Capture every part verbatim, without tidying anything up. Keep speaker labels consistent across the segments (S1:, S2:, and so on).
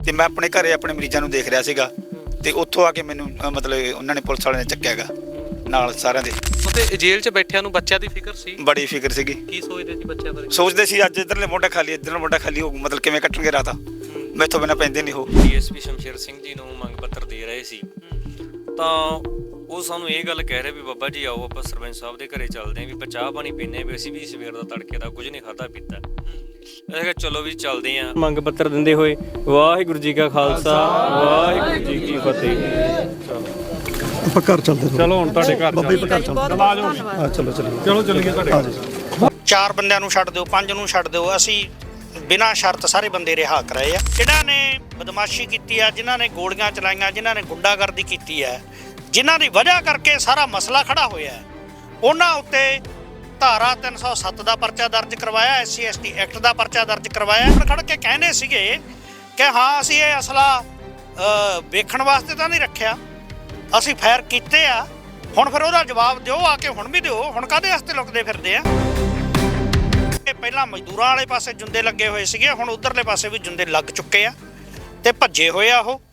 S1: ਤੇ ਮੈਂ ਆਪਣੇ ਘਰੇ ਆਪਣੇ ਮਰੀਜ਼ਾਂ ਨੂੰ ਦੇਖ ਰਿਹਾ ਸੀਗਾ ਤੇ ਉੱਥੋਂ ਆ ਕੇ ਮੈਨੂੰ ਅ, ਮਤਲਬ ਉਹਨਾਂ ਨੇ ਪੁਲਿਸ ਵਾਲਿਆਂ ਨੇ ਚੱਕਿਆ ਗਾ ਨਾਲ ਸਾਰਿਆਂ ਦੇ।
S2: ਤੇ ਜੇਲ੍ਹ 'ਚ ਬੈਠਿਆਂ ਨੂੰ ਬੱਚਿਆਂ ਦੀ ਫਿਕਰ ਸੀ?
S1: ਬੜੀ ਫਿਕਰ ਸੀਗੀ।
S2: ਕੀ ਸੋਚਦੇ ਸੀ ਬੱਚਿਆਂ ਬਾਰੇ?
S1: ਸੋਚਦੇ ਸੀ ਅੱਜ ਇੱਧਰਲੇ ਮੋਢਾ ਖਾਲੀ ਇੱਧਰਲੇ ਮੋਢਾ ਖਾਲੀ ਹੋ ਮਤਲਬ ਕਿਵੇਂ ਕੱਟਣਗੇ ਰਾਤਾਂ, ਮੈਥੋਂ ਬਿਨਾਂ ਪੈਂਦੇ ਨਹੀਂ ਉਹ।
S3: ਡੀਐਸਪੀ ਸ਼ਮਸ਼ੇਰ ਸਿੰਘ ਜੀ ਨੂੰ ਮੰਗ ਪੱਤਰ ਦੇ ਰਹੇ ਸੀ ਤਾਂ ਉਹ ਸਾਨੂੰ ਇਹ ਗੱਲ ਕਹਿ ਰਹੇ ਵੀ ਬਾਬਾ ਜੀ ਆਓ ਆਪਾਂ ਸਰਪੰਚ ਸਾਹਿਬ ਦੇ ਘਰੇ ਚੱਲਦੇ ਆਂ ਵੀ ਆਪਾਂ ਚਾਹ ਪਾਣੀ ਪੀਂਦੇ ਵੀ ਅਸੀਂ ਵੀ ਸਵੇਰ ਦਾ ਤੜਕੇ ਦਾ ਕੁਝ ਨਹੀਂ ਖਾਧਾ ਪੀਤਾ। ਅਸੀਂ ਕਿਹਾ ਚਲੋ ਵੀ ਚੱਲਦੇ ਆਂ।
S4: ਮੰਗ ਪੱਤਰ ਦਿੰਦੇ ਹੋਏ ਵਾਹਿਗੁਰੂ ਜੀ ਕਾ ਖਾਲਸਾ ਵਾਹਿਗੁਰੂ ਜੀ ਕੀ ਫਤਿਹ।
S5: ਆਪਾਂ ਘਰ ਚੱਲਦੇ
S6: ਚਲੋ ਹੁਣ ਤੁਹਾਡੇ ਘਰ
S5: ਬੱਬੇ ਘਰ ਚੱਲਦੇ
S6: ਆ ਜਾਓ।
S5: ਹਾਂ ਚਲੋ ਚਲੋ
S6: ਚਲੋ ਚੱਲੀਏ ਤੁਹਾਡੇ ਘਰ।
S7: ਚਾਰ ਬੰਦਿਆਂ ਨੂੰ ਛੱਡ ਦਿਓ, ਪੰਜ ਨੂੰ ਛੱਡ ਦਿਓ, ਅਸੀਂ ਬਿਨਾਂ ਸ਼ਰਤ ਸਾਰੇ ਬੰਦੇ ਰਿਹਾ ਕਰਾਏ ਆ। ਜਿਨ੍ਹਾਂ ਨੇ ਬਦਮਾਸ਼ੀ ਕੀਤੀ ਆ, ਜਿਨ੍ਹਾਂ ਨੇ ਗੋਲੀਆਂ ਚਲਾਈਆਂ, ਜਿਨ੍ਹਾਂ ਨੇ ਗੁੰਡਾਗਰਦੀ ਕੀਤੀ ਹੈ, ਜਿਨ੍ਹਾਂ ਦੀ ਵਜ੍ਹਾ ਕਰਕੇ ਸਾਰਾ ਮਸਲਾ ਖੜਾ ਹੋਇਆ ਹੈ, ਉਹਨਾਂ ਉੱਤੇ ਧਾਰਾ ਤਿੰਨ ਸੌ ਸੱਤ ਦਾ ਪਰਚਾ ਦਰਜ ਕਰਵਾਇਆ, S C S T act ਦਾ ਪਰਚਾ ਦਰਜ ਕਰਵਾਇਆ। ਖੜ ਕੇ ਕਹਿੰਦੇ ਸੀਗੇ ਕਿ ਹਾਂ ਅਸੀਂ ਇਹ ਅਸਲਾ ਵੇਖਣ ਵਾਸਤੇ ਤਾਂ ਨਹੀਂ ਰੱਖਿਆ, ਅਸੀਂ ਫਾਇਰ ਕੀਤੇ ਆ। ਹੁਣ ਫਿਰ ਉਹਦਾ ਜਵਾਬ ਦਿਓ ਆ ਕੇ, ਹੁਣ ਵੀ ਦਿਓ। ਹੁਣ ਕਾਹਦੇ ਵਾਸਤੇ ਲੁਕਦੇ ਫਿਰਦੇ ਆ? ਪਹਿਲਾਂ ਮਜ਼ਦੂਰਾਂ ਵਾਲੇ ਪਾਸੇ ਜੁੰਦੇ ਲੱਗੇ ਹੋਏ ਸੀਗੇ, ਹੁਣ ਉਧਰਲੇ ਪਾਸੇ ਵੀ ਜੁੰਦੇ ਲੱਗ ਚੁੱਕੇ ਆ ਤੇ ਭੱਜੇ ਹੋਏ ਆ ਉਹ।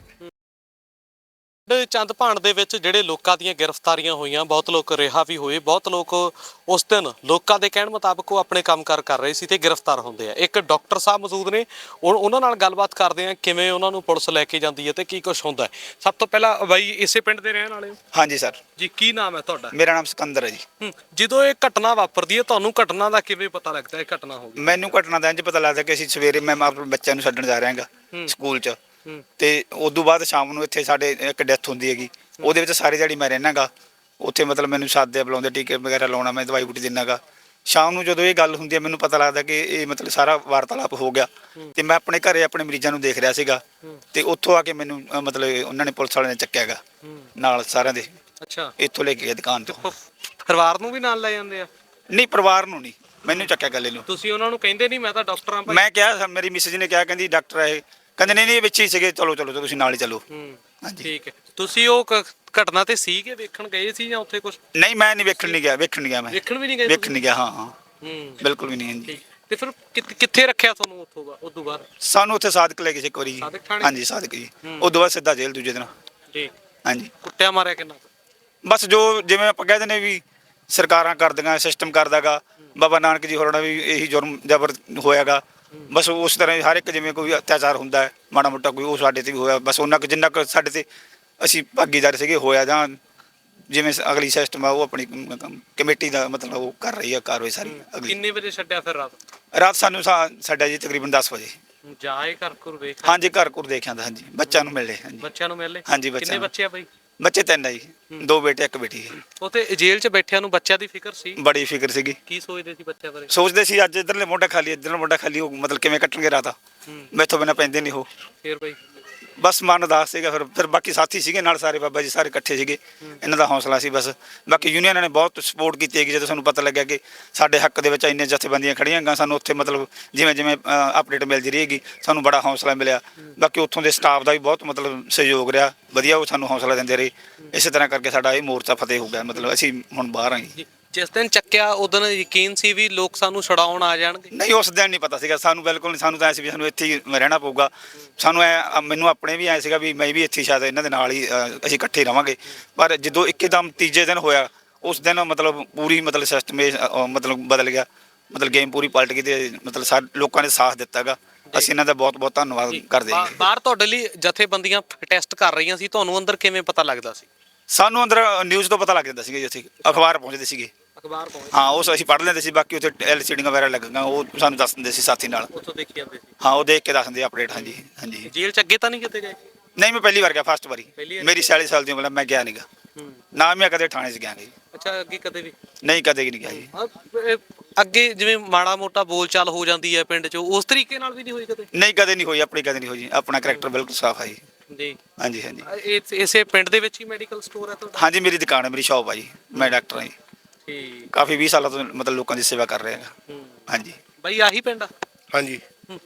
S2: ਚੰਦ ਭਾਣ ਦੇ ਵਿੱਚ ਜਿਹੜੇ ਲੋਕਾਂ ਦੀਆਂ ਗ੍ਰਿਫਤਾਰੀਆਂ ਹੋਈਆਂ, ਬਹੁਤ ਲੋਕ ਰਿਹਾ ਵੀ ਹੋਏ, ਬਹੁਤ ਲੋਕ ਉਸ ਦਿਨ ਲੋਕਾਂ ਦੇ ਕਹਿਣ ਮੁਤਾਬਕ ਉਹ ਆਪਣੇ ਕੰਮਕਾਰ ਕਰ ਰਹੇ ਸੀ ਤੇ ਗ੍ਰਿਫਤਾਰ ਹੁੰਦੇ ਆ। ਇੱਕ ਡਾਕਟਰ ਸਾਹਿਬ ਮੌਜੂਦ ਨੇ, ਉਹਨਾਂ ਨਾਲ ਗੱਲਬਾਤ ਕਰਦੇ ਆ ਕਿਵੇਂ ਉਹਨਾਂ ਨੂੰ ਪੁਲਿਸ ਲੈ ਕੇ ਜਾਂਦੀ ਹੈ ਤੇ ਕੀ ਕੁਝ ਹੁੰਦਾ ਹੈ। ਸਭ ਤੋਂ ਪਹਿਲਾਂ ਬਾਈ ਇਸੇ ਪਿੰਡ ਦੇ ਰਹਿਣ ਵਾਲੇ ਹੋ?
S1: ਹਾਂਜੀ ਸਰ
S2: ਜੀ। ਕੀ ਨਾਮ ਹੈ ਤੁਹਾਡਾ?
S1: ਮੇਰਾ ਨਾਮ ਸਿਕੰਦਰ ਹੈ ਜੀ।
S2: ਜਦੋਂ ਇਹ ਘਟਨਾ ਵਾਪਰਦੀ ਹੈ ਤੁਹਾਨੂੰ ਘਟਨਾ ਦਾ ਕਿਵੇਂ ਪਤਾ ਲੱਗਦਾ ਇਹ ਘਟਨਾ ਹੋ ਗਈ?
S1: ਮੈਨੂੰ ਘਟਨਾ ਦਾ ਇੰਝ ਪਤਾ ਲੱਗਦਾ ਕਿ ਅਸੀਂ ਸਵੇਰੇ ਮੈਂ ਆਪਣੇ ਬੱਚਿਆਂ ਨੂੰ ਛੱਡਣ ਜਾ ਰਿਹਾ ਹੈਗਾ ਸਕੂਲ 'ਚ, ਤੇ ਉਦੋਂ ਬਾਅਦ ਸ਼ਾਮ ਨੂੰ ਇੱਥੇ ਸਾਡੇ ਇੱਕ ਡੈਥ ਹੁੰਦੀ ਹੈਗੀ, ਉਹਦੇ ਵਿੱਚ ਸਾਰੀ ਦਿਹਾੜੀ ਮੈਂ ਰਹਿਣਾ ਗਾ ਉੱਥੇ। ਮਤਲਬ ਮੈਨੂੰ ਸਾਦੇ ਬੁਲਾਉਂਦੇ, ਟੀਕੇ ਵਗੈਰਾ ਲਾਉਣਾ, ਮੈਂ ਦਵਾਈ ਬੂਟੀ ਦਿੰਦਾ ਗਾ। ਸ਼ਾਮ ਨੂੰ ਜਦੋਂ ਇਹ ਗੱਲ ਹੁੰਦੀ ਹੈ ਮੈਨੂੰ ਪਤਾ ਲੱਗਦਾ ਕਿ ਇਹ ਮਤਲਬ ਸਾਰਾ ਵਾਰਤਾਲਾਪ ਹੋ ਗਿਆ ਤੇ ਮੈਂ ਆਪਣੇ ਘਰੇ ਆਪਣੇ ਮਰੀਜ਼ਾਂ ਨੂੰ ਦੇਖ ਰਿਹਾ ਸੀਗਾ ਤੇ ਉੱਥੋਂ ਆ ਕੇ ਮੈਨੂੰ ਅ, ਮਤਲਬ ਉਹਨਾਂ ਨੇ ਪੁਲਿਸ ਵਾਲਿਆਂ ਨੇ ਚੱਕਿਆ ਗਾ ਨਾਲ ਸਾਰਿਆਂ ਦੇ।
S2: ਅੱਛਾ।
S1: ਇੱਥੋਂ ਲੈ ਕੇ ਗਏ ਦੁਕਾਨ ਤੋਂ।
S2: ਪਰਿਵਾਰ ਨੂੰ ਵੀ ਨਾਲ ਲੈ ਜਾਂਦੇ ਆ?
S1: ਨਹੀਂ, ਪਰਿਵਾਰ ਨੂੰ ਨਹੀਂ, ਮੈਨੂੰ ਚੱਕਿਆ ਗੱਲੇ ਨੂੰ।
S2: ਤੁਸੀਂ ਉਹਨਾਂ ਨੂੰ ਕਹਿੰਦੇ ਨਹੀਂ ਮੈਂ ਤਾਂ ਡਾਕਟਰ ਹਾਂ ਭਾਈ?
S1: ਮੈਂ ਕਿਹਾ, ਮੇਰੀ ਮਿਸਿਸ ਨੇ ਕਿਹਾ, ਕਹਿੰਦੀ ਡਾਕਟਰ ਹੈ ਇਹ, ਕਹਿੰਦੇ ਨਹੀਂ ਨਹੀਂ ਵਿੱਚ ਹੀ ਸੀਗੇ, ਚਲੋ ਚਲੋ ਤੁਸੀਂ ਨਾਲ ਹੀ ਚੱਲੋ। ਹਾਂਜੀ
S2: ਠੀਕ ਹੈ। ਤੁਸੀਂ ਉਹ ਘਟਨਾ ਤੇ ਸੀਗੇ, ਵੇਖਣ ਗਏ ਸੀ ਜਾਂ ਉੱਥੇ ਕੁਝ?
S1: ਨਹੀਂ, ਮੈਂ ਨਹੀਂ ਵੇਖਣ ਨਹੀਂ ਗਿਆ, ਵੇਖਣ ਨਹੀਂ ਗਿਆ ਮੈਂ।
S2: ਵੇਖਣ ਵੀ ਨਹੀਂ ਗਏ?
S1: ਵੇਖਣ ਨਹੀਂ ਗਿਆ, ਹਾਂ ਹਾਂ
S2: ਹੂੰ,
S1: ਬਿਲਕੁਲ ਵੀ ਨਹੀਂ। ਹਾਂਜੀ।
S2: ਤੇ ਫਿਰ ਕਿੱਥੇ ਰੱਖਿਆ ਤੁਹਾਨੂੰ ਉੱਥੋਂ ਬਾਅਦ? ਉਦੋਂ ਬਾਅਦ
S1: ਸਾਨੂੰ ਉੱਥੇ ਸਾਦਕ ਲੈ ਗਏ ਸੀ ਇੱਕ ਵਾਰੀ ਜੀ।
S2: ਸਾਦਕ ਥਾਣੇ?
S1: ਹਾਂਜੀ ਸਾਦਕ ਜੀ। ਉਦੋਂ ਬਾਅਦ ਸਿੱਧਾ ਜੇਲ੍ਹ ਦੂਜੇ ਦਿਨ।
S2: ਜੀ।
S1: ਹਾਂਜੀ।
S2: ਕੁੱਟਿਆ ਮਾਰਿਆ ਕਿੰਨਾ?
S1: ਬਸ ਜੋ ਜਿਵੇਂ ਆਪਾਂ ਕਹਿੰਦੇ ਨੇ ਵੀ ਸਰਕਾਰਾਂ ਕਰਦੀਆਂ, ਸਿਸਟਮ ਕਰਦਾਗਾ, ਬਾਬਾ ਨਾਨਕ ਜੀ ਹੋਰਾਂ ਦਾ ਵੀ ਇਹੀ ਜੁਰਮ ਜਬਰ ਹੋਇਆਗਾ। ਬਸ ਉਸ ਤਰ੍ਹਾਂ ਹਰ ਇੱਕ ਜਿਵੇਂ ਕੋਈ ਅਤਿਆਚਾਰ ਹੁੰਦਾ ਹੈ ਮਾੜਾ ਮੋਟਾ ਕੋਈ, ਉਹ ਸਾਡੇ ਤੇ ਵੀ ਹੋਇਆ। ਬਸ ਉਹਨਾਂ ਕੁ ਜਿੰਨਾ ਕੁ ਸਾਡੇ ਤੇ ਅਸੀਂ ਭਾਗੀਦਾਰ ਸੀਗੇ ਹੋਇਆ, ਜਾਂ ਜਿਵੇਂ ਅਗਲੀ ਸਿਸਟਮ ਆ ਉਹ ਆਪਣੀ ਕਮੇਟੀ ਦਾ ਮਤਲਬ ਉਹ ਕਰ ਰਹੀ ਆ ਕਾਰਵਾਈ ਸਾਰੀ ਅਗਲੀ।
S2: ਕਿੰਨੇ ਵਜੇ ਛੱਡਿਆ ਫਿਰ ਰਾਤ?
S1: ਰਾਤ ਸਾਨੂੰ ਸਾਡਾ ਜੀ ਤਕਰੀਬਨ ਦਸ ਵਜੇ।
S2: ਜਾਏ ਘਰ ਘਰ ਵੇਖ?
S1: ਹਾਂਜੀ, ਘਰ ਘਰ ਦੇਖਿਆ ਤਾਂ। ਹਾਂਜੀ, ਬੱਚਿਆਂ ਨੂੰ ਮਿਲੇ। ਹਾਂਜੀ,
S2: ਬੱਚਿਆਂ ਨੂੰ ਮਿਲੇ?
S1: ਹਾਂਜੀ, ਬੱਚਿਆਂ
S2: ਕਿੰਨੇ
S1: ਨੂੰ।
S2: ਬੱਚੇ ਆ ਬਾਈ?
S1: ਬੱਚੇ ਤਿੰਨ ਆ ਜੀ, ਦੋ ਬੇਟੇ ਇੱਕ ਬੇਟੀ।
S2: ਉੱਥੇ ਜੇਲ੍ਹ 'ਚ ਬੈਠਿਆਂ ਨੂੰ ਬੱਚਿਆਂ ਦੀ ਫਿਕਰ ਸੀ?
S1: ਬੜੀ ਫਿਕਰ ਸੀਗੀ।
S2: ਕੀ ਸੋਚਦੇ ਸੀ ਬੱਚਿਆਂ ਬਾਰੇ?
S1: ਸੋਚਦੇ ਸੀ ਅੱਜ ਇੱਧਰਲੇ ਮੋਢਾ ਖਾਲੀ ਇੱਧਰਲੇ ਮੋਢਾ ਖਾਲੀ ਹੋ ਮਤਲਬ ਕਿਵੇਂ ਕੱਟਣਗੇ ਰਾਤਾਂ, ਮੈਥੋਂ ਬਿਨਾਂ ਪੈਂਦੇ ਨਹੀਂ ਉਹ।
S2: ਫਿਰ ਬਾਈ
S1: ਬਸ ਮਨ ਉਦਾਸ ਸੀਗਾ। ਫਿਰ ਫਿਰ ਬਾਕੀ ਸਾਥੀ ਸੀਗੇ ਨਾਲ ਸਾਰੇ, ਬਾਬਾ ਜੀ ਸਾਰੇ ਇਕੱਠੇ ਸੀਗੇ, ਇਹਨਾਂ ਦਾ ਹੌਸਲਾ ਸੀ ਬਸ। ਬਾਕੀ ਯੂਨੀਅਨਾਂ ਨੇ ਬਹੁਤ ਸਪੋਰਟ ਕੀਤੀ ਹੈਗੀ। ਜਦੋਂ ਸਾਨੂੰ ਪਤਾ ਲੱਗਿਆ ਕਿ ਸਾਡੇ ਹੱਕ ਦੇ ਵਿੱਚ ਇੰਨੇ ਜਥੇਬੰਦੀਆਂ ਖੜੀਆਂ ਹੈਗੀਆਂ, ਸਾਨੂੰ ਉੱਥੇ ਮਤਲਬ ਜਿਵੇਂ ਜਿਵੇਂ ਅਪਡੇਟ ਮਿਲਦੀ ਰਹੇਗੀ ਸਾਨੂੰ ਬੜਾ ਹੌਸਲਾ ਮਿਲਿਆ। ਬਾਕੀ ਉੱਥੋਂ ਦੇ ਸਟਾਫ ਦਾ ਵੀ ਬਹੁਤ ਮਤਲਬ ਸਹਿਯੋਗ ਰਿਹਾ ਵਧੀਆ, ਉਹ ਸਾਨੂੰ ਹੌਸਲਾ ਦਿੰਦੇ ਰਹੇ। ਇਸੇ ਤਰ੍ਹਾਂ ਕਰਕੇ ਸਾਡਾ ਇਹ ਮੋਰਚਾ ਫਤਿਹ ਹੋ ਗਿਆ। ਮਤਲਬ ਅਸੀਂ ਹੁਣ ਬਾਹਰ ਆਏ।
S2: ਜਿਸ ਦਿਨ ਚੱਕਿਆ ਉਦੋਂ ਯਕੀਨ ਸੀ ਵੀ ਲੋਕ ਸਾਨੂੰ ਛੁਡਾਉਣ ਆ ਜਾਣਗੇ?
S1: ਨਹੀਂ, ਉਸ ਦਿਨ ਨਹੀਂ ਪਤਾ ਸੀਗਾ ਸਾਨੂੰ, ਬਿਲਕੁਲ ਨਹੀਂ। ਸਾਨੂੰ ਤਾਂ ਐ ਸੀ ਵੀ ਸਾਨੂੰ ਇੱਥੇ ਹੀ ਰਹਿਣਾ ਪਊਗਾ। ਸਾਨੂੰ ਐ ਮੈਨੂੰ ਆਪਣੇ ਵੀ ਐ ਸੀਗਾ ਵੀ ਮੈਂ ਵੀ ਇੱਥੇ ਸ਼ਾਇਦ ਇਹਨਾਂ ਦੇ ਨਾਲ ਹੀ ਅਸੀਂ ਇਕੱਠੇ ਰਹਾਂਗੇ। ਪਰ ਜਦੋਂ ਇੱਕਦਮ ਤੀਜੇ ਦਿਨ ਹੋਇਆ, ਉਸ ਦਿਨ ਮਤਲਬ ਪੂਰੀ ਮਤਲਬ ਸਿਸਟਮ ਮਤਲਬ ਬਦਲ ਗਿਆ, ਮਤਲਬ ਗੇਮ ਪੂਰੀ ਪਲਟ ਗਈ ਤੇ ਮਤਲਬ ਸਾਰੇ ਲੋਕਾਂ ਨੇ ਸਾਥ ਦਿੱਤਾ ਗਾ। ਅਸੀਂ ਇਹਨਾਂ ਦਾ ਬਹੁਤ ਬਹੁਤ ਧੰਨਵਾਦ ਕਰਦੇ ਹਾਂ।
S2: ਬਾਹਰ ਤੁਹਾਡੇ ਲਈ ਜਥੇਬੰਦੀਆਂ ਟੈਸਟ ਕਰ ਰਹੀਆਂ ਸੀ, ਤੁਹਾਨੂੰ ਅੰਦਰ ਕਿਵੇਂ ਪਤਾ ਲੱਗਦਾ ਸੀ?
S1: ਸਾਨੂੰ ਅੰਦਰ ਨਿਊਜ਼ ਤੋਂ ਪਤਾ ਲੱਗ ਜਾਂਦਾ ਸੀਗਾ ਜੀ, ਉੱਥੇ ਅਖਬਾਰ ਪਹੁੰਚਦੇ ਸੀਗੇ।
S2: ਅਖਬਾਰ ਪਹੁੰਚ?
S1: ਹਾਂ, ਉਸ ਅਸੀਂ ਪੜ੍ਹ ਲੈਂਦੇ ਸੀ। ਬਾਕੀ ਉੱਥੇ ਐਲ ਸੀ ਡੀ ਵਗੈਰਾ ਲੱਗੀਆਂ, ਉਹ ਸਾਨੂੰ ਦੱਸ ਦਿੰਦੇ ਸੀ ਸਾਥੀ ਨਾਲ।
S2: ਉੱਥੋਂ ਦੇਖੀ ਜਾਂਦੇ ਸੀ?
S1: ਹਾਂ, ਉਹ ਦੇਖ ਕੇ ਦੱਸ ਦਿੰਦੇ ਅਪਡੇਟ। ਹਾਂਜੀ ਹਾਂਜੀ।
S2: ਜੇਲ੍ਹ 'ਚ ਅੱਗੇ ਤਾਂ ਨਹੀਂ ਕਿਤੇ ਗਏ?
S1: ਨਹੀਂ, ਮੈਂ ਪਹਿਲੀ ਵਾਰ ਗਿਆ, ਫਸਟ ਵਾਰੀ। ਮੇਰੀ ਛਿਆਲੀ ਸਾਲ ਦੀ ਉਮਰ, ਮੈਂ ਗਿਆ ਨਹੀਂ ਗਾ ਨਾ, ਮੈਂ ਕਦੇ ਥਾਣੇ 'ਚ ਗਿਆ ਜੀ।
S2: ਅੱਛਾ, ਅੱਗੇ ਕਦੇ ਵੀ
S1: ਨਹੀਂ, ਕਦੇ ਨਹੀਂ ਗਿਆ ਜੀ।
S2: ਅੱਗੇ ਜਿਵੇਂ ਮਾੜਾ ਮੋਟਾ ਬੋਲ ਚਾਲ ਹੋ ਜਾਂਦੀ ਹੈ ਪਿੰਡ 'ਚ, ਉਸ ਤਰੀਕੇ ਨਾਲ ਵੀ ਨਹੀਂ ਹੋਈ ਕਦੇ?
S1: ਨਹੀਂ, ਕਦੇ ਨਹੀਂ ਹੋਈ, ਆਪਣੀ ਕਦੇ ਨਹੀਂ ਹੋਈ ਜੀ। ਆਪਣਾ ਕਰੈਕਟਰ ਬਿਲਕੁਲ ਸਾਫ਼ ਹੈ ਜੀ।
S2: ਜੀ।
S1: ਹਾਂਜੀ ਹਾਂਜੀ।
S2: ਇਹ ਇਸੇ ਪਿੰਡ ਦੇ ਵਿੱਚ ਹੀ ਮੈਡੀਕਲ ਸਟੋਰ ਹੈ ਤੁਹਾਡਾ? ਹਾਂਜੀ,
S1: ਮੇਰੀ ਦੁਕਾਨ ਹੈ, ਮੇਰੀ ਸ਼ਾਪ ਆ ਜੀ। ਮੈਂ ਡਾਕਟਰ ਹਾਂ ਜੀ।
S2: ਠੀਕ।
S1: ਕਾਫੀ ਵੀਹ ਸਾਲਾਂ ਤੋਂ ਮਤਲਬ ਲੋਕਾਂ ਦੀ ਸੇਵਾ ਕਰ ਰਿਹਾ ਹਾਂ। ਹਾਂਜੀ
S2: ਬਾਈ ਆਹੀ ਪਿੰਡ ਆ?
S5: ਹਾਂਜੀ।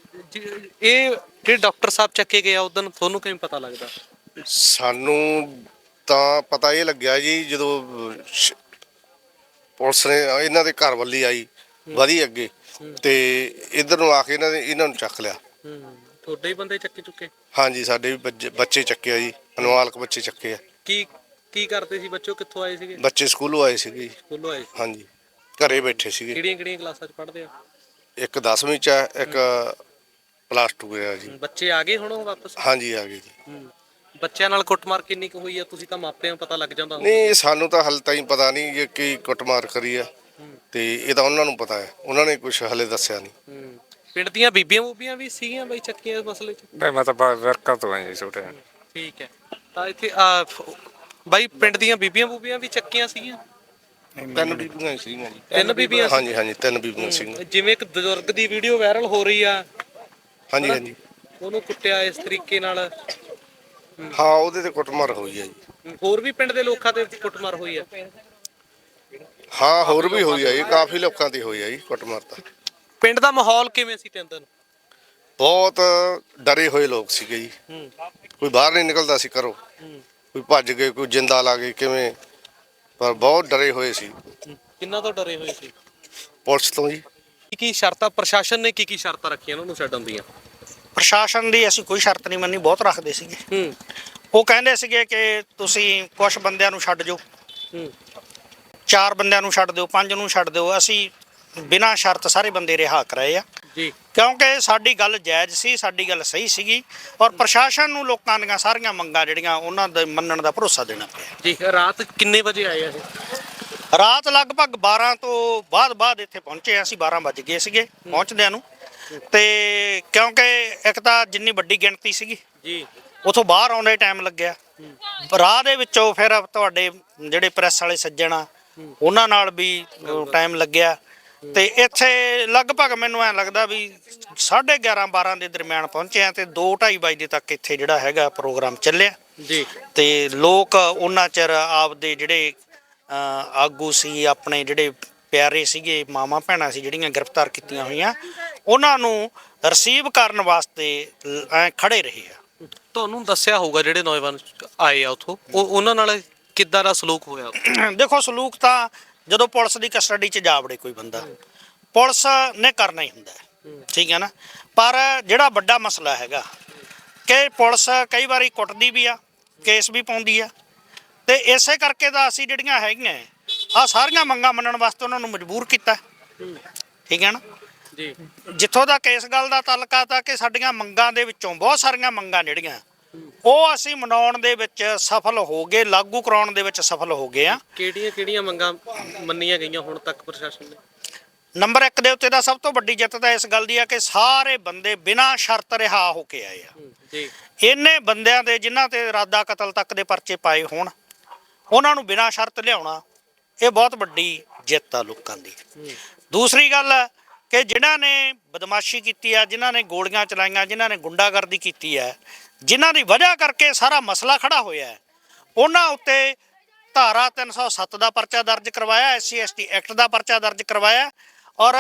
S2: ਇਹ ਜਿਹੜੇ ਡਾਕਟਰ ਸਾਹਿਬ ਚੱਕੇ ਗਏ ਆ ਉਦੋਂ ਤੁਹਾਨੂੰ ਕਿਵੇਂ ਪਤਾ ਲੱਗਦਾ?
S5: ਸਾਨੂੰ ਤਾਂ ਪਤਾ ਇਹ ਲੱਗਿਆ ਜੀ ਜਦੋਂ ਪੁਲਿਸ ਨੇ ਇਹਨਾਂ ਦੇ ਘਰ ਵੱਲੀ ਆਈ ਵਧੀ ਅੱਗੇ ਤੇ ਇੱਧਰ ਨੂੰ ਆ ਕੇ ਇਹਨਾਂ ਨੇ ਇਹਨਾਂ ਨੂੰ ਚੱਕ ਲਿਆ।
S2: ਤੁਹਾਡੇ ਹੀ ਬੰਦੇ ਚੱਕੇ ਚੁੱਕੇ?
S5: ਹਾਂਜੀ ਸਾਡੇ ਵੀ ਬੱਚੇ ਬੱਚੇ ਚੱਕੇ ਆ ਜੀ, ਅਨਵਾਲਕ ਬੱਚੇ ਚੱਕੇ ਆ।
S2: ਕੀ ਕੀ ਕਰਦੇ ਸੀ ਬੱਚੋ, ਕਿੱਥੋਂ ਆਏ ਸੀਗੇ?
S5: ਬੱਚੇ ਸਕੂਲੋਂ ਆਏ ਸੀਗੇ ਜੀ।
S2: ਸਕੂਲੋਂ ਆਏ ਸੀ।
S5: ਹਾਂਜੀ ਘਰੇ ਬੈਠੇ ਸੀਗੇ।
S2: ਕਿਹੜੀਆਂ ਕਿਹੜੀਆਂ ਕਲਾਸਾਂ 'ਚ ਪੜ੍ਹਦੇ ਆ?
S5: ਇੱਕ ਦਸਵੀਂ ਚ ਹੈ, ਇੱਕ ਪਲੱਸ ਟੂ ਹੈ ਜੀ।
S2: ਬੱਚੇ ਆ ਗਏ ਹੁਣ ਉਹ ਵਾਪਸ?
S5: ਹਾਂਜੀ ਆ ਗਏ ਜੀ।
S2: ਹੂੰ। ਬੱਚਿਆਂ ਨਾਲ ਕੁੱਟਮਾਰ ਕਿੰਨੀ ਕੁ ਹੋਈ ਆ? ਤੁਸੀਂ ਤਾਂ ਮਾਪਿਆਂ ਨੂੰ ਪਤਾ ਲੱਗ ਜਾਂਦਾ ਹੋਊ।
S5: ਨਹੀਂ ਸਾਨੂੰ ਤਾਂ ਹਾਲੇ ਤਾਈਂ ਪਤਾ ਨਹੀਂ ਜੇ ਕੀ ਕੁੱਟਮਾਰ ਕਰੀ ਆ, ਤੇ ਇਹ ਤਾਂ ਉਹਨਾਂ ਨੂੰ ਪਤਾ ਹੈ, ਉਹਨਾਂ ਨੇ ਕੁਝ ਹਲੇ ਦੱਸਿਆ ਨਹੀਂ।
S2: ਹੂੰ। ਪਿੰਡ ਦੀਆਂ ਬੀਬੀਆਂ ਬੂਬੀਆਂ ਵੀ ਸੀਗੀਆਂ ਬਈ ਚੱਕੀਆਂ ਇਸ ਮਸਲੇ 'ਚ?
S6: ਨਹੀਂ ਮੈਂ ਤਾਂ ਬਾ- ਵਰਕਰ ਤੋਂ ਆਇਆ ਜੀ ਛੋਟੇ।
S2: ਠੀਕ ਹੈ। ਤਾਂ ਇੱਥੇ ਆ ਬਾਈ ਪਿੰਡ ਦੀਆਂ ਬੀਬੀਆਂ ਬੂਬੀਆਂ ਵੀ ਚੱਕੀਆਂ ਸੀਗੀਆਂ?
S5: ਤਿੰਨ ਬੀਬੀਆਂ ਸੀਗੀਆਂ ਜੀ।
S2: ਤਿੰਨ ਬੀਬੀਆਂ ਸੀ?
S5: ਹਾਂਜੀ ਹਾਂਜੀ ਤਿੰਨ ਬੀਬੀਆਂ ਸੀਗੀਆਂ।
S2: ਜਿਵੇਂ ਇੱਕ ਬਜ਼ੁਰਗ ਦੀ ਵੀਡੀਓ ਵਾਇਰਲ ਹੋ ਰਹੀ ਆ,
S5: ਹਾਂਜੀ ਹਾਂਜੀ
S2: ਉਹਨੂੰ ਕੁੱਟਿਆ ਇਸ ਤਰੀਕੇ ਨਾਲ।
S5: ਹਾਂ ਉਹਦੇ ਤੇ ਕੁੱਟਮਾਰ ਹੋਈ ਹੈ ਜੀ।
S2: ਹੋਰ ਵੀ ਪਿੰਡ ਦੇ ਲੋਕਾਂ ਤੇ ਕੁੱਟਮਾਰ ਹੋਈ ਆ?
S5: ਹਾਂ ਹੋਰ ਵੀ ਹੋਈ ਹੈ ਜੀ, ਕਾਫੀ ਲੋਕਾਂ ਤੇ ਹੋਈ ਹੈ ਜੀ ਕੁੱਟਮਾਰ ਤਾਂ।
S2: ਪਿੰਡ ਦਾ ਮਾਹੌਲ ਕਿਵੇਂ ਸੀ ਤਿੰਨ ਦਿਨ?
S5: ਬਹੁਤ ਡਰੇ ਹੋਏ ਲੋਕ ਸੀਗੇ ਜੀ।
S2: ਹੂੰ।
S5: ਕੋਈ ਬਾਹਰ ਨਹੀਂ ਨਿਕਲਦਾ ਸੀ ਘਰੋਂ, ਕੋਈ ਭੱਜ ਗਏ, ਕੋਈ ਜਿੰਦਾ ਲਾ ਗਏ ਕਿਵੇਂ, ਪਰ ਬਹੁਤ ਡਰੇ ਹੋਏ ਸੀ
S2: ਕਿੰਨਾ ਤੋਂ ਡਰੇ ਹੋਏ ਸੀ?
S5: ਪੁਲਿਸ ਤੋਂ ਜੀ।
S2: ਕੀ ਕੀ ਸ਼ਰਤਾਂ ਪ੍ਰਸ਼ਾਸਨ ਨੇ ਕੀ ਕੀ ਸ਼ਰਤਾਂ ਰੱਖੀਆਂ ਉਹਨਾਂ ਨੂੰ ਛੱਡਣ ਦੀਆਂ?
S7: ਪ੍ਰਸ਼ਾਸਨ ਦੀ ਅਸੀਂ ਕੋਈ ਸ਼ਰਤ ਨਹੀਂ ਮੰਨੀ, ਬਹੁਤ ਰੱਖਦੇ ਸੀਗੇ।
S2: ਹੂੰ।
S7: ਉਹ ਕਹਿੰਦੇ ਸੀਗੇ ਕਿ ਤੁਸੀਂ ਕੁਝ ਬੰਦਿਆਂ ਨੂੰ ਛੱਡ ਜਾਓ,
S2: ਹੂੰ।
S7: ਚਾਰ ਬੰਦਿਆਂ ਨੂੰ ਛੱਡ ਦਿਓ, ਪੰਜ ਨੂੰ ਛੱਡ ਦਿਓ। ਅਸੀਂ ਬਿਨਾਂ ਸ਼ਰਤ ਸਾਰੇ ਬੰਦੇ ਰਿਹਾ ਕਰਾਏ ਆ,
S2: ਜੀ।
S7: ਕਿਉਂਕਿ ਸਾਡੀ ਗੱਲ ਜਾਇਜ਼ ਸੀ, ਸਾਡੀ ਗੱਲ ਸਹੀ ਸੀਗੀ, ਔਰ ਪ੍ਰਸ਼ਾਸਨ ਨੂੰ ਲੋਕਾਂ ਦੀਆਂ ਸਾਰੀਆਂ ਮੰਗਾਂ ਜਿਹੜੀਆਂ ਉਹਨਾਂ ਦੇ ਮੰਨਣ ਦਾ ਭਰੋਸਾ ਦੇਣਾ ਪਿਆ।
S2: ਜੀ। ਰਾਤ ਕਿੰਨੇ ਵਜੇ ਆਏ ਆ ਇਹ?
S7: ਰਾਤ ਲਗਭਗ ਬਾਰਾਂ ਤੋਂ ਬਾਅਦ ਬਾਅਦ ਇੱਥੇ ਪਹੁੰਚੇ ਅਸੀਂ, ਬਾਰਾਂ ਵੱਜ ਗਏ ਸੀਗੇ ਪਹੁੰਚਦਿਆਂ ਨੂੰ। ਤੇ ਕਿਉਂਕਿ ਇੱਕ ਤਾਂ ਜਿੰਨੀ ਵੱਡੀ ਗਿਣਤੀ ਸੀਗੀ
S2: ਜੀ,
S7: ਉਥੋਂ ਬਾਹਰ ਆਉਂਦੇ ਟਾਈਮ ਲੱਗਿਆ, ਰਾਹ ਦੇ ਵਿੱਚੋਂ ਫਿਰ ਤੁਹਾਡੇ ਜਿਹੜੇ ਪ੍ਰੈਸ ਵਾਲੇ ਸੱਜਣ ਆ ਉਹਨਾਂ ਨਾਲ ਵੀ ਟਾਈਮ ਲੱਗਿਆ। ਤੇ ਇੱਥੇ ਲਗਭਗ ਮੈਨੂੰ ਐਂ ਲੱਗਦਾ ਵੀ ਸਾਢੇ ਗਿਆਰਾਂ ਬਾਰਾਂ ਦੇ ਦਰਮਿਆਨ ਪਹੁੰਚੇ ਆ, ਤੇ ਦੋ ਢਾਈ ਵਜੇ ਤੱਕ ਇੱਥੇ ਜਿਹੜਾ ਹੈਗਾ ਪ੍ਰੋਗਰਾਮ ਚੱਲਿਆ
S2: ਜੀ।
S7: ਤੇ ਲੋਕ ਉਹਨਾਂ ਚਿਰ ਆਪਦੇ ਜਿਹੜੇ ਆਗੂ ਸੀ, ਆਪਣੇ ਜਿਹੜੇ ਪਿਆਰੇ ਸੀਗੇ, ਮਾਵਾਂ ਭੈਣਾਂ ਸੀ ਜਿਹੜੀਆਂ ਗ੍ਰਿਫਤਾਰ ਕੀਤੀਆਂ ਹੋਈਆਂ, ਉਹਨਾਂ ਨੂੰ ਰਿਸੀਵ ਕਰਨ ਵਾਸਤੇ ਐ ਖੜੇ ਰਹੇ ਆ।
S2: ਤੁਹਾਨੂੰ ਦੱਸਿਆ ਹੋਊਗਾ ਜਿਹੜੇ ਨੌਜਵਾਨ ਆਏ ਆ ਉਥੋਂ, ਉਹ ਉਹਨਾਂ ਨਾਲ ਕਿੱਦਾਂ ਦਾ ਸਲੂਕ ਹੋਇਆ?
S7: ਦੇਖੋ ਸਲੂਕ ਤਾਂ ਜਦੋਂ ਪੁਲਿਸ ਦੀ ਕਸਟਡੀ 'ਚ ਜਾ ਵੜੇ ਕੋਈ ਬੰਦਾ, ਪੁਲਿਸ ਨੇ ਕਰਨਾ ਹੀ ਹੁੰਦਾ, ਠੀਕ ਹੈ ਨਾ। ਪਰ ਜਿਹੜਾ ਵੱਡਾ ਮਸਲਾ ਹੈਗਾ ਕਿ ਪੁਲਿਸ ਕਈ ਵਾਰੀ ਕੁੱਟਦੀ ਵੀ ਆ, ਕੇਸ ਵੀ ਪਾਉਂਦੀ ਆ, ਤੇ ਇਸੇ ਕਰਕੇ ਤਾਂ ਅਸੀਂ ਜਿਹੜੀਆਂ ਹੈਗੀਆਂ ਆ ਸਾਰੀਆਂ ਮੰਗਾਂ ਮੰਨਣ ਵਾਸਤੇ ਉਹਨਾਂ ਨੂੰ ਮਜਬੂਰ ਕੀਤਾ, ਠੀਕ ਹੈ ਨਾ
S2: ਜੀ।
S7: ਜਿੱਥੋਂ ਤੱਕ ਇਸ ਗੱਲ ਦਾ ਤਾਲੁਕਾ ਤਾਂ ਕਿ ਸਾਡੀਆਂ ਮੰਗਾਂ ਦੇ ਵਿੱਚੋਂ ਬਹੁਤ ਸਾਰੀਆਂ ਮੰਗਾਂ ਜਿਹੜੀਆਂ ਉਹ ਅਸੀਂ ਮਨਾਉਣ ਦੇ ਵਿੱਚ ਸਫਲ ਹੋ ਗਏ, ਲਾਗੂ ਕਰਾਉਣ ਦੇ ਵਿੱਚ ਸਫਲ ਹੋ ਗਏ ਆ।
S2: ਕਿਹੜੀਆਂ ਕਿਹੜੀਆਂ ਮੰਗਾਂ ਮੰਨੀਆਂ ਗਈਆਂ ਹੁਣ ਤੱਕ ਪ੍ਰਸ਼ਾਸਨ ਨੇ?
S7: ਨੰਬਰ ਇੱਕ ਦੇ ਉੱਤੇ ਦਾ ਸਭ ਤੋਂ ਵੱਡੀ ਜਿੱਤ ਤਾਂ ਇਸ ਗੱਲ ਦੀ ਆ ਕਿ ਸਾਰੇ ਬੰਦੇ ਬਿਨਾਂ ਸ਼ਰਤ ਰਿਹਾ ਹੋ ਕੇ ਆਏ ਆ।
S2: ਜੀ।
S7: ਇੰਨੇ ਬੰਦਿਆਂ ਦੇ ਜਿਨ੍ਹਾਂ ਤੇ ਇਰਾਦਾ ਕਤਲ ਤੱਕ ਦੇ ਪਰਚੇ ਪਾਏ ਹੋਣ, ਉਹਨਾਂ ਨੂੰ ਬਿਨਾਂ ਸ਼ਰਤ ਲਿਆਉਣਾ, ਇਹ ਬਹੁਤ ਵੱਡੀ ਜਿੱਤ ਆ ਲੋਕਾਂ ਦੀ। ਦੂਸਰੀ ਗੱਲ ਕਿ ਜਿਨ੍ਹਾਂ ਨੇ ਬਦਮਾਸ਼ੀ ਕੀਤੀ ਆ, ਜਿਨ੍ਹਾਂ ਨੇ ਗੋਲੀਆਂ ਚਲਾਈਆਂ, ਜਿਨ੍ਹਾਂ ਨੇ ਗੁੰਡਾਗਰਦੀ ਕੀਤੀ ਹੈ, ਜਿਨ੍ਹਾਂ ਦੀ ਵਜ੍ਹਾ ਕਰਕੇ ਸਾਰਾ ਮਸਲਾ ਖੜਾ ਹੋਇਆ ਹੈ, ਉਹਨਾਂ ਉੱਤੇ ਧਾਰਾ ਤਿੰਨ ਸੌ ਸੱਤ ਦਾ ਪਰਚਾ ਦਰਜ ਕਰਵਾਇਆ, S C S T act ਦਾ ਪਰਚਾ ਦਰਜ ਕਰਵਾਇਆ। ਔਰ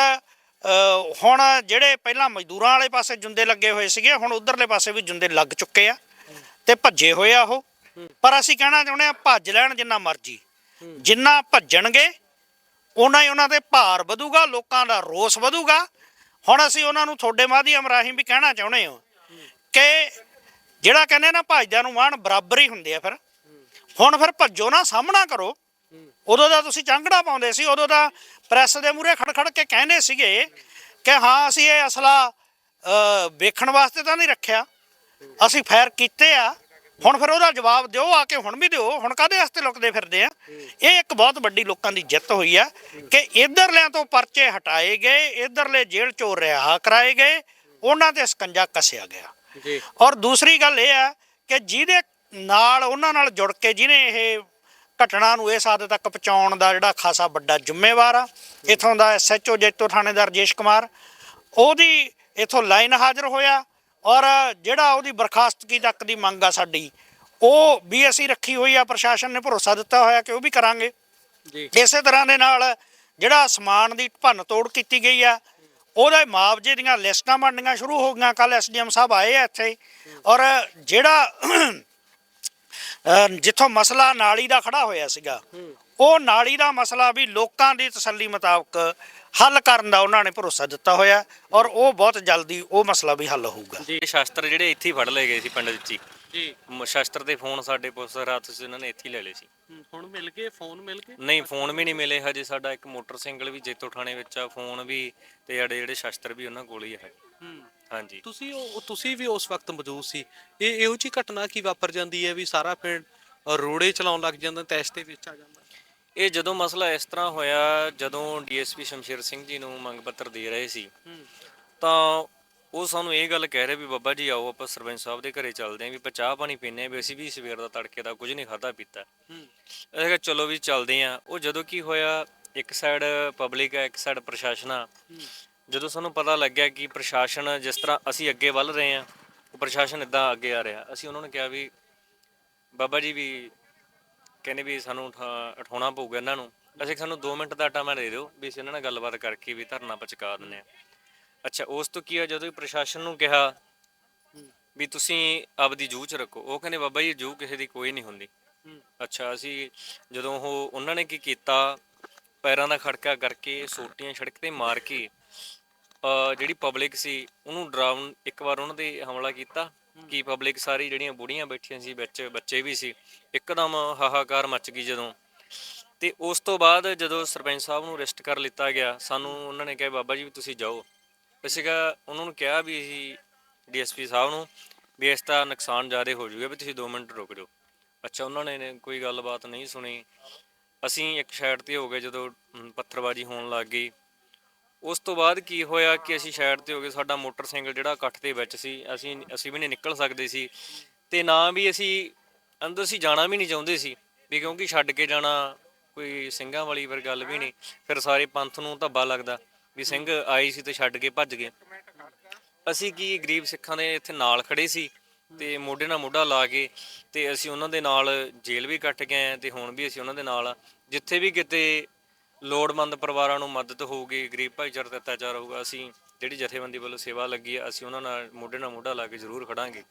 S7: ਹੁਣ ਜਿਹੜੇ ਪਹਿਲਾਂ ਮਜ਼ਦੂਰਾਂ ਵਾਲੇ ਪਾਸੇ ਜੁੰਦੇ ਲੱਗੇ ਹੋਏ ਸੀਗੇ, ਹੁਣ ਉਧਰਲੇ ਪਾਸੇ ਵੀ ਜੁੰਦੇ ਲੱਗ ਚੁੱਕੇ ਆ ਤੇ ਭੱਜੇ ਹੋਏ ਆ ਉਹ। ਪਰ ਅਸੀਂ ਕਹਿਣਾ ਚਾਹੁੰਦੇ ਆ, ਭੱਜ ਲੈਣ ਜਿੰਨਾ ਮਰਜ਼ੀ, ਜਿੰਨਾ ਭੱਜਣਗੇ ਉਹਨਾਂ ਹੀ ਉਹਨਾਂ ਤੇ ਭਾਰ ਵਧੂਗਾ, ਲੋਕਾਂ ਦਾ ਰੋਸ ਵਧੂਗਾ। ਹੁਣ ਅਸੀਂ ਉਹਨਾਂ ਨੂੰ ਤੁਹਾਡੇ ਮਾਧਿਅਮ ਰਾਹੀਂ ਵੀ ਕਹਿਣਾ ਚਾਹੁੰਦੇ ਹਾਂ ਕਿ ਜਿਹੜਾ ਕਹਿੰਦੇ ਨਾ ਭੱਜਦਿਆਂ ਨੂੰ ਮਾਣ ਬਰਾਬਰ ਹੀ ਹੁੰਦੇ ਆ, ਫਿਰ ਹੁਣ ਫਿਰ ਭੱਜੋ ਨਾ, ਸਾਹਮਣਾ ਕਰੋ। ਉਦੋਂ ਦਾ ਤੁਸੀਂ ਚਾਂਗੜਾ ਪਾਉਂਦੇ ਸੀ, ਉਦੋਂ ਦਾ ਪ੍ਰੈਸ ਦੇ ਮੂਹਰੇ ਖੜ ਖੜ ਕੇ ਕਹਿੰਦੇ ਸੀਗੇ ਕਿ ਹਾਂ ਅਸੀਂ ਇਹ ਅਸਲਾ ਵੇਖਣ ਵਾਸਤੇ ਤਾਂ ਨਹੀਂ ਰੱਖਿਆ, ਅਸੀਂ ਫਾਇਰ ਕੀਤੇ ਆ। ਹੁਣ ਫਿਰ ਉਹਦਾ ਜਵਾਬ ਦਿਓ, ਆ ਕੇ ਹੁਣ ਵੀ ਦਿਓ, ਹੁਣ ਕਾਹਦੇ ਵਾਸਤੇ ਲੁਕਦੇ ਫਿਰਦੇ ਆ? ਇਹ ਇੱਕ ਬਹੁਤ ਵੱਡੀ ਲੋਕਾਂ ਦੀ ਜਿੱਤ ਹੋਈ ਆ ਕਿ ਇੱਧਰਲਿਆਂ ਤੋਂ ਪਰਚੇ ਹਟਾਏ ਗਏ, ਇੱਧਰਲੇ ਜੇਲ੍ਹ ਚੋਂ ਰਿਹਾ ਕਰਾਏ ਗਏ, ਉਹਨਾਂ ਤੇ ਸਕੰਜਾ ਕੱਸਿਆ ਗਿਆ।
S2: ਜੀ।
S7: ਔਰ ਦੂਸਰੀ ਗੱਲ ਇਹ ਆ ਕਿ ਜਿਹਦੇ ਨਾਲ ਉਹਨਾਂ ਨਾਲ ਜੁੜ ਕੇ ਜਿਹਨੇ ਇਹ ਘਟਨਾ ਨੂੰ ਇਸ ਹੱਦ ਤੱਕ ਪਹੁੰਚਾਉਣ ਦਾ ਜਿਹੜਾ ਖਾਸਾ ਵੱਡਾ ਜ਼ਿੰਮੇਵਾਰ ਆ, ਇੱਥੋਂ ਦਾ ਐਸ ਐਚ ਓ ਜੈਤੋ ਥਾਣੇਦਾਰ ਰਜੇਸ਼ ਕੁਮਾਰ, ਉਹਦੀ ਇੱਥੋਂ ਲਾਈਨ ਹਾਜ਼ਰ ਹੋਇਆ। ਔਰ ਜਿਹੜਾ ਉਹਦੀ ਬਰਖਾਸਤਗੀ ਤੱਕ ਦੀ ਮੰਗ ਆ ਸਾਡੀ, ਉਹ ਵੀ ਅਸੀਂ ਰੱਖੀ ਹੋਈ ਆ, ਪ੍ਰਸ਼ਾਸਨ ਨੇ ਭਰੋਸਾ ਦਿੱਤਾ ਹੋਇਆ ਕਿ ਉਹ ਵੀ ਕਰਾਂਗੇ।
S2: ਜੀ।
S7: ਇਸੇ ਤਰ੍ਹਾਂ ਦੇ ਨਾਲ ਜਿਹੜਾ ਸਮਾਨ ਦੀ ਭੰਨ ਤੋੜ ਕੀਤੀ ਗਈ ਆ, ਉਹਦੇ ਮੁਆਵਜ਼ੇ ਦੀਆਂ ਲਿਸਟਾਂ ਬਣਨੀਆਂ ਸ਼ੁਰੂ ਹੋ ਗਈਆਂ। ਕੱਲ੍ਹ ਐਸ ਡੀ ਐਮ ਸਾਹਿਬ ਆਏ ਆ ਇੱਥੇ, ਔਰ ਜਿਹੜਾ ਜਿੱਥੋਂ ਮਸਲਾ ਨਾਲੀ ਦਾ ਖੜਾ ਹੋਇਆ ਸੀਗਾ, ਉਹ ਨਾਲੀ ਦਾ ਮਸਲਾ ਵੀ ਲੋਕਾਂ ਦੀ ਤਸੱਲੀ ਮੁਤਾਬਕ ਹੱਲ ਕਰਨ ਦਾ ਉਹਨਾਂ ਨੇ ਭਰੋਸਾ ਦਿੱਤਾ ਹੋਇਆ ਔਰ ਉਹ ਬਹੁਤ ਜਲਦੀ ਉਹ ਮਸਲਾ ਵੀ ਹੱਲ ਹੋਊਗਾ।
S3: ਜੀ ਸ਼ਾਸਤਰ ਜਿਹੜੇ ਇੱਥੇ ਹੀ ਫੜ ਲਏ ਗਏ ਸੀ ਪਿੰਡ ਵਿੱਚ ਹੀ
S2: ਜੀ
S3: ਮ- ਸ਼ਾਸਤਰ ਦੇ ਫੋਨ ਸਾਡੇ ਪੁਲਿਸ ਰਾਤ ਸੀ ਉਹਨਾਂ ਨੇ ਇੱਥੇ ਹੀ ਲੈ ਲਏ ਸੀ।
S2: ਹੁਣ ਮਿਲ ਗਏ ਫੋਨ ਮਿਲ ਗਏ
S3: ਨਹੀਂ ਫੋਨ ਵੀ ਨਹੀਂ ਮਿਲੇ ਹਜੇ। ਸਾਡਾ ਇੱਕ ਮੋਟਰਸਾਈਕਲ ਵੀ ਜੇਤੋ ਥਾਣੇ ਵਿੱਚ ਆ, ਫੋਨ ਵੀ ਤੇ ਸਾਡੇ ਜਿਹੜੇ ਸ਼ਾਸਤਰ ਵੀ ਉਹਨਾਂ ਕੋਲ ਹੀ ਹੈ। ਹਾਂਜੀ
S2: ਤੁਸੀਂ ਉਹ ਤੁਸੀਂ ਵੀ ਉਸ ਵਕਤ ਮੌਜੂਦ ਸੀ। ਇਹ ਇਹੋ ਜਿਹੀ ਘਟਨਾ ਕੀ ਵਾਪਰ ਜਾਂਦੀ ਹੈ ਵੀ ਸਾਰਾ ਪਿੰਡ ਰੋੜੇ ਚਲਾਉਣ ਲੱਗ ਜਾਂਦਾ, ਤੈਸ਼ ਦੇ ਵਿੱਚ ਆ ਜਾਂਦਾ?
S3: ਇਹ ਜਦੋਂ ਮਸਲਾ ਇਸ ਤਰ੍ਹਾਂ ਹੋਇਆ, ਜਦੋਂ ਡੀਐਸਪੀ ਸ਼ਮਸ਼ੇਰ ਸਿੰਘ ਜੀ ਨੂੰ ਮੰਗ ਪੱਤਰ ਦੇ ਰਹੇ ਸੀ ਤਾਂ ਉਹ ਸਾਨੂੰ ਇਹ ਗੱਲ ਕਹਿ ਰਹੇ ਵੀ ਬਾਬਾ ਜੀ ਆਓ ਆਪਾਂ ਸਰਪੰਚ ਸਾਹਿਬ ਦੇ ਘਰੇ ਚੱਲਦੇ ਆਂ, ਵੀ ਆਪਾਂ ਚਾਹ ਪਾਣੀ ਪੀਂਦੇ ਆਂ, ਵੀ ਅਸੀਂ ਵੀ ਸਵੇਰ ਦਾ ਤੜਕੇ ਦਾ ਕੁਝ ਨਹੀਂ ਖਾਧਾ ਪੀਤਾ। ਅਸੀਂ ਕਿਹਾ ਚਲੋ ਵੀ ਚੱਲਦੇ ਆਂ। ਉਹ ਜਦੋਂ ਕੀ ਹੋਇਆ, ਇੱਕ ਸਾਈਡ ਪਬਲਿਕ ਹੈ, ਇੱਕ ਸਾਈਡ ਪ੍ਰਸ਼ਾਸਨ ਆ। ਜਦੋਂ ਸਾਨੂੰ ਪਤਾ ਲੱਗਿਆ ਕਿ ਪ੍ਰਸ਼ਾਸਨ ਜਿਸ ਤਰ੍ਹਾਂ ਅਸੀਂ ਅੱਗੇ ਵੱਲ ਰਹੇ ਆਂ, ਉਹ ਪ੍ਰਸ਼ਾਸਨ ਇਦਾਂ ਅੱਗੇ ਆ ਰਿਹਾ, ਅਸੀਂ ਉਹਨਾਂ ਨੂੰ ਕਿਹਾ ਵੀ ਬਾਬਾ ਜੀ ਵੀ ਕਹਿੰਦੇ ਵੀ ਸਾਨੂੰ ਉਠਾ- ਉਠਾਉਣਾ ਪਊਗਾ ਇਹਨਾਂ ਨੂੰ। ਅਸੀਂ ਸਾਨੂੰ ਦੋ ਮਿੰਟ ਦਾ ਟਾਈਮ ਦੇ ਦਿਓ ਵੀ ਅਸੀਂ ਇਹਨਾਂ ਨਾਲ ਗੱਲਬਾਤ ਕਰਕੇ ਵੀ ਧਰਨਾ ਪਚਕਾ ਦਿੰਦੇ ਹਾਂ। ਅੱਛਾ ਉਸ ਤੋਂ ਕੀ ਆ, ਜਦੋਂ ਪ੍ਰਸ਼ਾਸਨ ਨੂੰ ਕਿਹਾ ਵੀ ਤੁਸੀਂ ਆਪਦੀ ਜੂਹ ਚ ਰੱਖੋ, ਉਹ ਕਹਿੰਦੇ ਬਾਬਾ ਜੀ ਜੂਹ ਕਿਸੇ ਦੀ ਕੋਈ ਨਹੀਂ ਹੁੰਦੀ। ਅੱਛਾ ਅਸੀਂ ਜਦੋਂ ਉਹ ਉਹਨਾਂ ਨੇ ਕੀ ਕੀਤਾ, ਪੈਰਾਂ ਦਾ ਖੜਕਾ ਕਰਕੇ ਸੋਟੀਆਂ ਸੜਕ ਤੇ ਮਾਰ ਕੇ ਅਹ ਜਿਹੜੀ ਪਬਲਿਕ ਸੀ ਉਹਨੂੰ ਡਰਾਉਣ, ਇੱਕ ਵਾਰ ਉਹਨਾਂ ਦੇ ਹਮਲਾ ਕੀਤਾ ਕਿ ਪਬਲਿਕ ਸਾਰੀ ਜਿਹੜੀਆਂ ਬੁੜੀਆਂ ਬੈਠੀਆਂ ਸੀ ਵਿੱਚ ਬੱਚੇ ਵੀ ਸੀ, ਇੱਕਦਮ ਹਾਹਾਕਾਰ ਮਚ ਗਈ ਜਦੋਂ। ਤੇ ਉਸ ਤੋਂ ਬਾਅਦ ਜਦੋਂ ਸਰਪੰਚ ਸਾਹਿਬ ਨੂੰ ਅਰੈਸਟ ਕਰ ਲਿੱਤਾ ਗਿਆ, ਸਾਨੂੰ ਉਹਨਾਂ ਨੇ ਕਿਹਾ ਬਾਬਾ ਜੀ ਵੀ ਤੁਸੀਂ ਜਾਓ। ਅਸੀਂ ਕਿਹਾ ਉਹਨਾਂ ਨੂੰ ਕਿਹਾ ਵੀ ਅਸੀਂ ਡੀਐਸਪੀ ਸਾਹਿਬ ਨੂੰ ਵੀ ਇਸ ਦਾ ਨੁਕਸਾਨ ਜ਼ਿਆਦਾ ਹੋ ਜਾਊਗਾ, ਵੀ ਤੁਸੀਂ ਦੋ ਮਿੰਟ ਰੁਕ ਜਾਓ। ਅੱਛਾ ਉਹਨਾਂ ਨੇ ਕੋਈ ਗੱਲਬਾਤ ਨਹੀਂ ਸੁਣੀ। ਅਸੀਂ ਇੱਕ ਸਾਈਡ ਤੇ ਹੋ ਗਏ ਜਦੋਂ ਅਮ, ਪੱਥਰਬਾਜ਼ੀ ਹੋਣ ਲੱਗ ਗਈ। ਉਸ ਤੋਂ ਬਾਅਦ ਕੀ ਹੋਇਆ ਕਿ ਅਸੀਂ ਸਾਈਡ ਤੇ ਹੋ ਗਏ, ਸਾਡਾ ਮੋਟਰਸਾਈਕਲ ਜਿਹੜਾ ਇਕੱਠ ਦੇ ਵਿੱਚ ਸੀ, ਅਸੀਂ ਅਸੀਂ ਵੀ ਨਹੀਂ ਨਿਕਲ ਸਕਦੇ ਸੀ ਤੇ ਨਾ ਵੀ ਅਸੀਂ ਅੰਦਰ ਅਸੀਂ ਜਾਣਾ ਵੀ ਨਹੀਂ ਚਾਹੁੰਦੇ ਸੀ ਵੀ, ਕਿਉਂਕਿ ਛੱਡ ਕੇ ਜਾਣਾ ਕੋਈ ਸਿੰਘਾਂ ਵਾਲੀ ਫਿਰ ਗੱਲ ਵੀ ਨਹੀਂ। ਫਿਰ ਸਾਰੇ ਪੰਥ ਨੂੰ ਧੱਬਾ ਲੱਗਦਾ ਵੀ ਸਿੰਘ ਆਏ ਸੀ ਤੇ ਛੱਡ ਕੇ ਭੱਜ ਗਏ। ਅਸੀਂ ਕੀ ਗਰੀਬ ਸਿੱਖਾਂ ਦੇ ਇੱਥੇ ਨਾਲ ਖੜੇ ਸੀ ਤੇ ਮੋਢੇ ਨਾਲ ਮੋਢਾ ਲਾ ਕੇ ਤੇ ਅਸੀਂ ਉਹਨਾਂ ਦੇ ਨਾਲ ਜੇਲ੍ਹ ਵੀ ਕੱਟ ਗਏ ਆ ਤੇ ਹੁਣ ਵੀ ਅਸੀਂ ਉਹਨਾਂ ਦੇ ਨਾਲ ਆ। ਜਿੱਥੇ ਵੀ ਕਿਤੇ ਲੋੜਵੰਦ ਪਰਿਵਾਰਾਂ ਨੂੰ ਮਦਦ ਹੋਊਗੀ, ਗਰੀਬ ਭਾਈਚਾਰੇ ਦਾ ਅਤਿਆਚਾਰ ਹੋਊਗਾ, ਅਸੀਂ ਜਿਹੜੀ ਜਥੇਬੰਦੀ ਵੱਲੋਂ ਸੇਵਾ ਲੱਗੀ ਆ ਅਸੀਂ ਉਹਨਾਂ ਨਾਲ ਮੋਢੇ ਨਾਲ ਮੋਢਾ ਲਾ ਕੇ ਜ਼ਰੂਰ ਖੜਾਂਗੇ।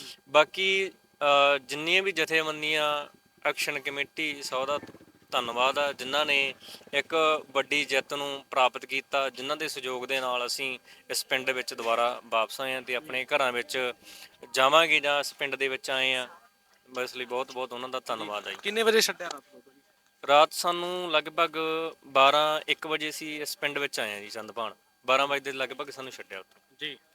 S3: ਬਾਕੀ ਅ, ਜਿੰਨੀਆਂ ਵੀ ਜਥੇਬੰਦੀਆਂ, ਐਕਸ਼ਨ ਕਮੇਟੀ, ਸੌ ਦਾ ਧੰਨਵਾਦ ਆ ਜਿਨ੍ਹਾਂ ਨੇ ਇੱਕ ਵੱਡੀ ਜਿੱਤ ਨੂੰ ਪ੍ਰਾਪਤ ਕੀਤਾ, ਜਿਨ੍ਹਾਂ ਦੇ ਸਹਿਯੋਗ ਦੇ ਨਾਲ ਅਸੀਂ ਇਸ ਪਿੰਡ ਵਿੱਚ ਦੁਬਾਰਾ ਵਾਪਸ ਆਏ ਹਾਂ ਤੇ ਆਪਣੇ ਘਰਾਂ ਵਿੱਚ ਜਾਵਾਂਗੇ ਜਾਂ ਇਸ ਪਿੰਡ ਦੇ ਵਿੱਚ ਆਏ ਹਾਂ। ਬਸ ਲਈ ਬਹੁਤ ਬਹੁਤ ਉਹਨਾਂ ਦਾ ਧੰਨਵਾਦ ਹੈ ਜੀ।
S2: ਕਿੰਨੇ ਵਜੇ ਛੱਡਿਆ ਰਾਤ ਨੂੰ?
S3: ਰਾਤ ਸਾਨੂੰ ਲਗਭਗ ਬਾਰਾਂ ਇੱਕ ਵਜੇ ਅਸੀਂ ਇਸ ਪਿੰਡ ਵਿੱਚ ਆਏ ਹਾਂ ਜੀ, ਚੰਦਪਾਣ। ਬਾਰਾਂ ਵਜੇ ਦੇ ਲਗਭਗ ਸਾਨੂੰ ਛੱਡਿਆ ਉੱਥੋਂ।
S2: ਜੀ